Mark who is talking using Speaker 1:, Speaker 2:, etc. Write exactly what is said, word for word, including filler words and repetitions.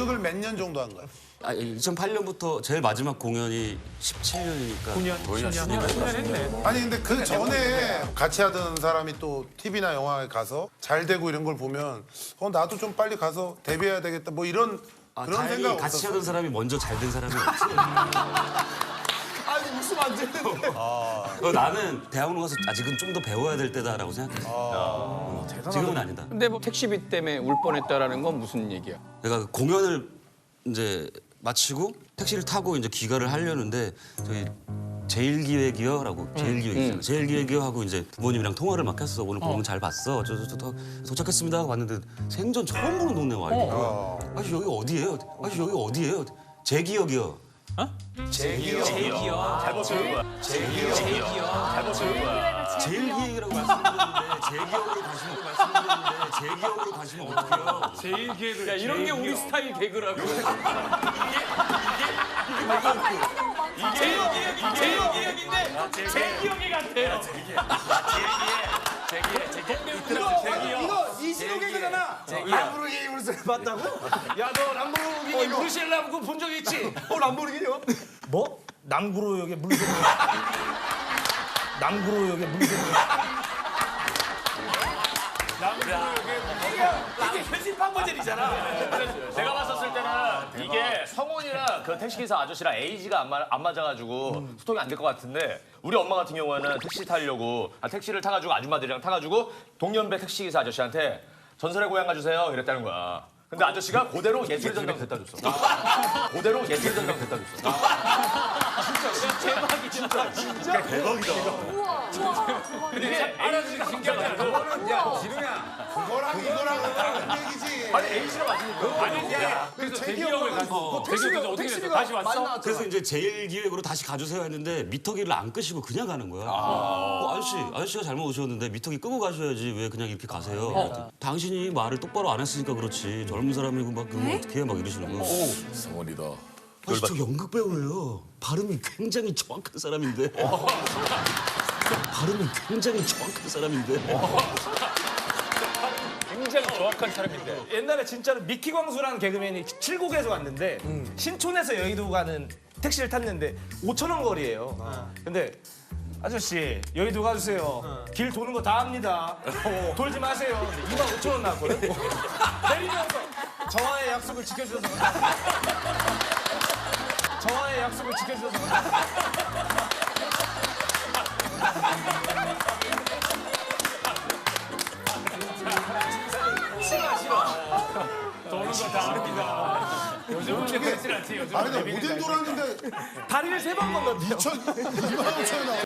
Speaker 1: 연극을 몇 년 정도 한 거야?
Speaker 2: 아, 이천팔 년부터 제일 마지막 공연이 십칠 년이니까
Speaker 3: 구 년, 거의 십 년 했네.
Speaker 1: 아니 근데 그 전에 같이 하던 사람이 또 티비나 영화에 가서 잘 되고 이런 걸 보면 어 나도 좀 빨리 가서 데뷔해야 되겠다 뭐 이런
Speaker 2: 아,
Speaker 1: 그런
Speaker 2: 다행히
Speaker 1: 생각
Speaker 2: 같이
Speaker 1: 없었어?
Speaker 2: 하던 사람이 먼저 잘 된 사람이 없어.
Speaker 3: 아니 웃으면 안 되는데.
Speaker 2: 어, 나는 대학원 가서 아직은 좀 더 배워야 될 때다라고 생각했어. 어, 지금은 아니다.
Speaker 4: 근데 뭐 택시비 때문에 울 뻔했다라는 건 무슨 얘기야?
Speaker 2: 내가 그 공연을 이제 마치고 택시를 타고 이제 귀가를 하려는데 저희 제일기획이요라고 제일기획이잖아. 제일기획이요 하고 이제 부모님이랑 통화를 막 했어. 오늘 공연 잘 봤어. 저, 저, 저, 저 도착했습니다 하고 왔는데 생전 처음 보는 동네 와 있고. 아저씨 여기 어디예요? 아저씨 여기 어디예요? 제기역이요.
Speaker 3: 제기요. 잘못 들은 거야. 제기요. 잘못 들은 거야.
Speaker 2: 제일기획이라고 말씀드렸는데 제기역으로 가시는 거 말씀드렸는데 제기역으로 가시면 어떡해요?
Speaker 3: 제일 기획을.
Speaker 4: 야 이런 게 우리 스타일 개그라고. 제일 제일 기획인데 제일 기획이 같아요.
Speaker 3: 이거 이신호 개그잖아. 람보르기니 물소리 봤다고? 야 너 람보르기니 브루셀 람보 본 적 있지? 어 람보르기니요? 뭐? 남구로역에 물소리. 남구로역에 물소리.
Speaker 5: 이게 현실판 버전이잖아. 제가 봤었을 때는 이게 성훈이랑 그 택시기사 아저씨랑 에이지가 안, 마, 안 맞아가지고 소통이 안 될 것 같은데 우리 엄마 같은 경우에는 택시 타려고 아, 택시를 타가지고 아줌마들이랑 타가지고 동년배 택시기사 아저씨한테 전설의 고향 가주세요 이랬다는 거야. 근데 아저씨가 그대로 예술의 전당 됐다 줬어. 그대로 예술의 전당 됐다 줬어.
Speaker 4: 대박이 진짜.
Speaker 5: 진짜 대박이다.
Speaker 4: 근데 알아주니까 신기하지 않아?
Speaker 1: 야 진우야 그거랑 이거랑 다른 얘기지.
Speaker 5: 아니 에이지가 맞으니까.
Speaker 4: 아니 야 그래서 대기역을 가서 대기역에서 어떻게 됐어? 다시 왔어?
Speaker 2: 그래서 이제 제일기획으로 다시 가주세요 했는데 미터기를 안 끄시고 그냥 가는 거야. 어, 아저씨, 아저씨가 잘못 오셨는데 미터기 끄고 가셔야지 왜 그냥 이렇게 가세요? 그랬더니 당신이 말을 똑바로 안 했으니까 그렇지. 젊은 사람이고 막 그러면 어떻게 해? 막 이러시는 거야.
Speaker 6: 성원이다.
Speaker 2: 아저씨 저 연극 배우예요. 발음이 굉장히 정확한 사람인데. 발음이 굉장히 정확한 사람인데.
Speaker 4: 굉장히 정확한 사람인데.
Speaker 3: 옛날에 진짜로 미키 광수라는 개그맨이 칠곡에서 왔는데 신촌에서 여의도 가는 택시를 탔는데 오천 원 거리예요. 근데 아저씨 여의도 가주세요. 길 도는 거 다 합니다. 돌지 마세요. 근데 이만 오천 원 나왔거든. 내리면서 저와의 약속을 지켜주셔서 감사합니다. 저와의 약속을 지켜주셔서 감사합니다.
Speaker 4: 도는 거 다 합니다. 요즘은 그렇진 않지. 요즘은
Speaker 1: 아니 근데 오뎅 돌았는데
Speaker 3: 다리를 세 번 건너뛰어.
Speaker 1: 이만 오천 원 나와.